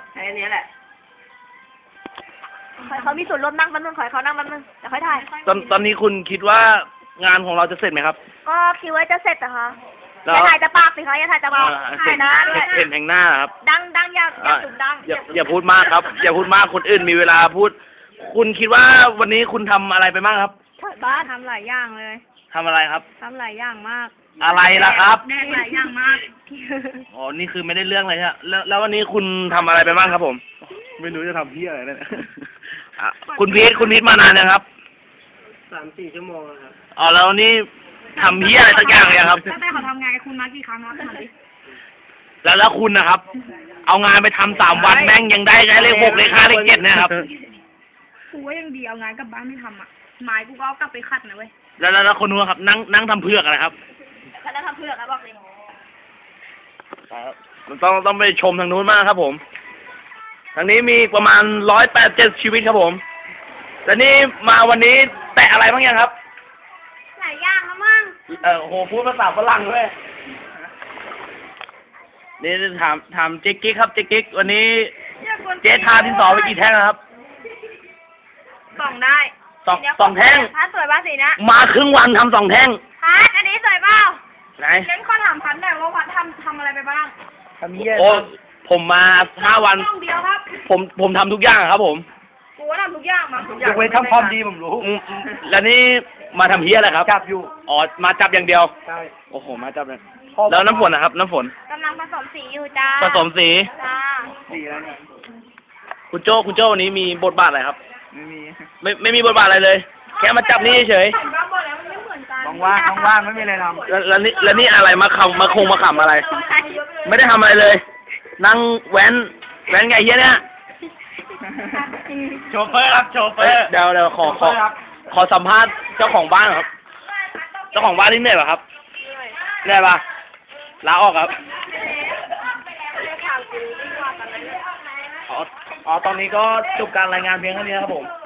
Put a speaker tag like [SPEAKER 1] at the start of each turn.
[SPEAKER 1] ใช้อันนี้แหละ
[SPEAKER 2] เขามีส่วนร่วมนั่งมันนึงขอเขานั่งมันนึงเดี๋ยวค่อยถ่าย
[SPEAKER 3] ตอนนี้คุณคิดว่างานของเราจะเสร็จไหมครับ
[SPEAKER 2] ก็คิดว่าจะเสร็จนะคะ
[SPEAKER 3] แล้ว
[SPEAKER 2] อย่าถ่ายจะปากสิคะอย่าถ่ายจะปากถ่ายนะ
[SPEAKER 3] เห็นแห่งหน้าครับ
[SPEAKER 2] ดังอย่าสุดดัง
[SPEAKER 3] อย่าพูดมากครับอย่าพูดมากคนอื่นมีเวลาพูดคุณคิดว่าวันนี้คุณทำอะไรไปบ้างครับ
[SPEAKER 2] บ้านทำหลายอย่างเลย
[SPEAKER 3] ทำอะไรครับ
[SPEAKER 2] ทำหลายอย่างมาก
[SPEAKER 3] อะไรล่ะครับ
[SPEAKER 2] แดกหลายอย่างมาก
[SPEAKER 3] อ๋อนี่คือไม่ได้เรื่องเลยใช่ไหมแล้ววันนี้คุณทำอะไรไปบ้างครับผมไม่รู้จะทำเพี้ยอะไรเนี่ยคุณพีทมานานยังครับ
[SPEAKER 1] 3-4 ชั่วโมงครับ
[SPEAKER 3] อ๋อแล้วนี่ทำเพี้ยอะไรสักอย่างเลยครับ
[SPEAKER 2] ตั้งแต่เขาทำงานกับคุณมากี่ครั้งครับถามดิ
[SPEAKER 3] แล้วคุณนะครับ เอางานไปทำ3 วันแม่งยังได้เลข 6 เลข 5 เลข 7เนี่ยครับ
[SPEAKER 2] กูว่ายังดีเอางานกลับบ้านไม่ทำอ่ะไม้กูก็เอากลับไปขัดนะเว้ย
[SPEAKER 3] แล้วคนนู้นครับนั่งทำเพือกอะไรครับ
[SPEAKER 2] แล้วทำเพือกครับบอกเลย
[SPEAKER 3] ต้องไปชมทางนู้นมากครับผมทางนี้มีประมาณ187 ชีวิตครับผมแล้วนี่มาวันนี้แตะอะไรบ้างยังครับ
[SPEAKER 2] หลายอย่างครับมั่ง
[SPEAKER 3] โหพูดภาษาฝรั่งด้วยนี่ถามเจ๊กิ๊กครับเจ๊กิ๊กวันนี้เจ๊ทาดินสอไปกี่แท่งครับ
[SPEAKER 2] 2 ได้
[SPEAKER 3] 2 แท่ง
[SPEAKER 2] พัดสวยป่ะสีนะ
[SPEAKER 3] มาครึ่งวันทำ2 แท่ง
[SPEAKER 2] พัดอันนี้สวยเปล่า
[SPEAKER 3] ไหน
[SPEAKER 2] งั้นข้อถามพัดหน่อยว่าพัดทำอะไรไปบ้าง
[SPEAKER 3] ทำเยอะโอ้ผมมา5 วัน
[SPEAKER 2] เดียวครับ
[SPEAKER 3] ผมทำทุกอย่างครับผม
[SPEAKER 2] กูว่าทำทุกอย่างมาทุก
[SPEAKER 1] ยกเว้นทำความดีผมรู้
[SPEAKER 3] แล้วนี่มาทำเฮียอะไรครับ
[SPEAKER 1] จับอยู่
[SPEAKER 3] อ๋อมาจับอย่างเดียว
[SPEAKER 1] ใช่
[SPEAKER 3] โอ้โหมาจับเลยแล้วน้ำฝนนะครับน้ำฝน
[SPEAKER 2] กำลังผสมสีอยู่จ้า
[SPEAKER 3] ผสมสี
[SPEAKER 2] จ้า
[SPEAKER 1] สีอะไรเนี่ย
[SPEAKER 3] คุณโจ้วันนี้มีบทบาทอะไรครับ
[SPEAKER 1] ไม่
[SPEAKER 3] มีบทบาทอะไรเลยแค่มาจับนี่เฉย
[SPEAKER 1] ว่างไม่มีอะไรท
[SPEAKER 3] ำแล้วนี่อะไรมาขำอะไรไม่ได้ทำอะไรเลยนั่งแว้นไงเฮียเนี่ย
[SPEAKER 1] โชเฟอร์ครับโชเฟอร์
[SPEAKER 3] เดี๋ยวขอสัมภาษณ์เจ้าของบ้านครับเจ้าของบ้านนี่เหนื่อยป่ะครับเหนื่อยป่ะลาออกครับอ๋อตอนนี้ก็จบการรายงานเพียงเท่านี้ครับผม